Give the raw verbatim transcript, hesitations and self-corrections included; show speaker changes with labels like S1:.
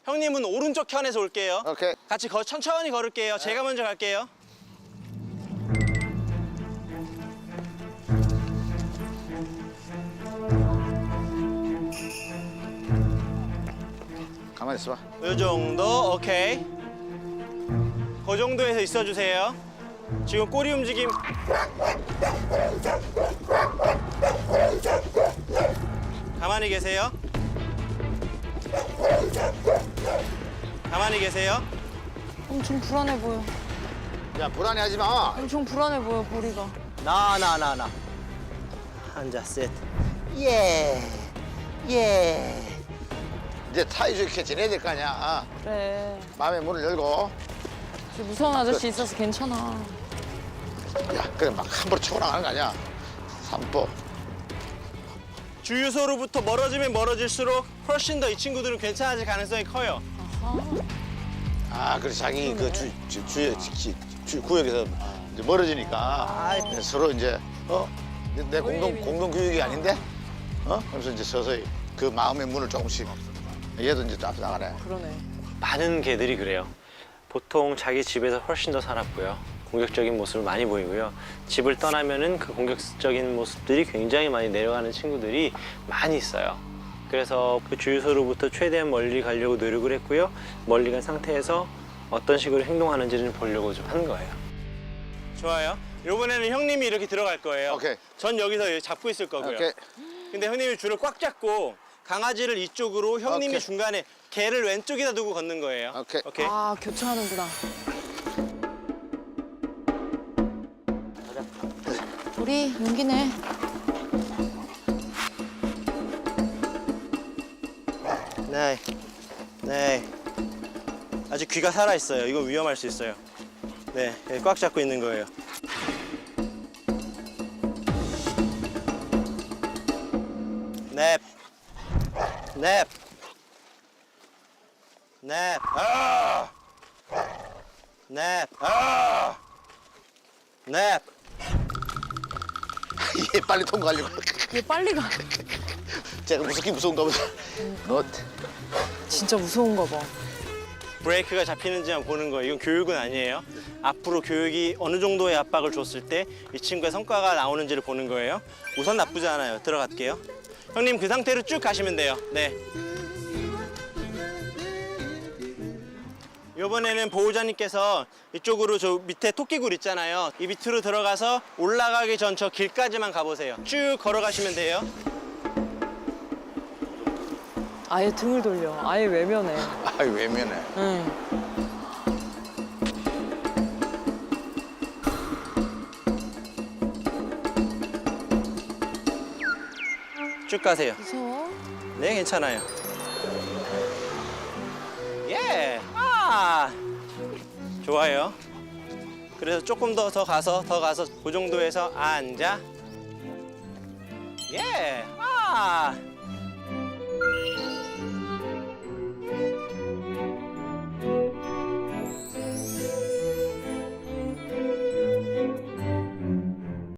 S1: 형님은 오른쪽 편에서 올게요.
S2: 오케이.
S1: 같이 거, 천천히 걸을게요. 제가 먼저 갈게요.
S2: 가만히 있어봐.
S1: 이 정도, 오케이. 그 정도에서 있어주세요. 지금 꼬리 움직임. 가만히 계세요. 가만히 계세요.
S3: 엄청 불안해 보여.
S2: 야, 불안해하지 마.
S3: 엄청 불안해 보여, 보리가.
S1: 나, 나, 나, 나. 앉아, 셋. 예. 예.
S2: 이제 사이좋게 지내야 될 거 아니야.
S3: 그래.
S2: 마음의 문을 열고.
S3: 저 무서운 아저씨 있어서 괜찮아.
S2: 야, 그래 막 함부로 치고 나가는 거 아니야. 삼보.
S1: 주유소로부터 멀어지면 멀어질수록 훨씬 더 이 친구들은 괜찮아질 가능성이 커요.
S2: 아, 그래 자기 그 주 주 주, 주, 주 구역에서 이제 멀어지니까 이제 서로 이제 어, 내, 내 공동 공동 구역이 아닌데, 어? 그래서 이제 서서히 그 마음의 문을 조금씩. 얘도 이제 앞서 나가네.
S3: 그러네.
S4: 많은 개들이 그래요. 보통 자기 집에서 훨씬 더 살았고요. 공격적인 모습을 많이 보이고요. 집을 떠나면은 그 공격적인 모습들이 굉장히 많이 내려가는 친구들이 많이 있어요. 그래서 그 주유소로부터 최대한 멀리 가려고 노력을 했고요. 멀리 간 상태에서 어떤 식으로 행동하는지를 보려고 좀 한 거예요.
S1: 좋아요. 이번에는 형님이 이렇게 들어갈 거예요.
S2: 오케이.
S1: 전 여기서 잡고 있을 거고요.
S2: 오케이.
S1: 근데 형님이 줄을 꽉 잡고 강아지를 이쪽으로, 형님이
S2: 오케이.
S1: 중간에 개를 왼쪽에다 두고 걷는 거예요.
S2: 오케이.
S1: 오케이.
S3: 아, 교차하는구나. 보리, 용기 내.
S1: 네. 네. 아직 귀가 살아 있어요. 이건 위험할 수 있어요. 네, 여기 꽉 잡고 있는 거예요. 넵. 넵. 넵. 아! 넵. 아! 넵.
S2: 얘 빨리 통과하려고.
S3: 얘 빨리 가.
S2: 제가 무섭긴 무서운가 보다. 너
S3: 진짜 무서운가 봐.
S1: 브레이크가 잡히는지만 보는 거예요. 이건 교육은 아니에요. 앞으로 교육이 어느 정도의 압박을 줬을 때 이 친구의 성과가 나오는지를 보는 거예요. 우선 나쁘지 않아요. 들어갈게요. 형님 그 상태로 쭉 가시면 돼요. 네. 이번에는 보호자님께서 이쪽으로 저 밑에 토끼굴 있잖아요. 이 밑으로 들어가서 올라가기 전 저 길까지만 가보세요. 쭉 걸어가시면 돼요.
S3: 아예 등을 돌려. 아예 외면해.
S2: 아이 외면해.
S3: 응.
S1: 쭉 가세요.
S3: 무서워?
S1: 네, 괜찮아요. 예! 아! 좋아요. 그래서 조금 더 더 가서 더 가서 그 정도에서 앉아. 예! 아!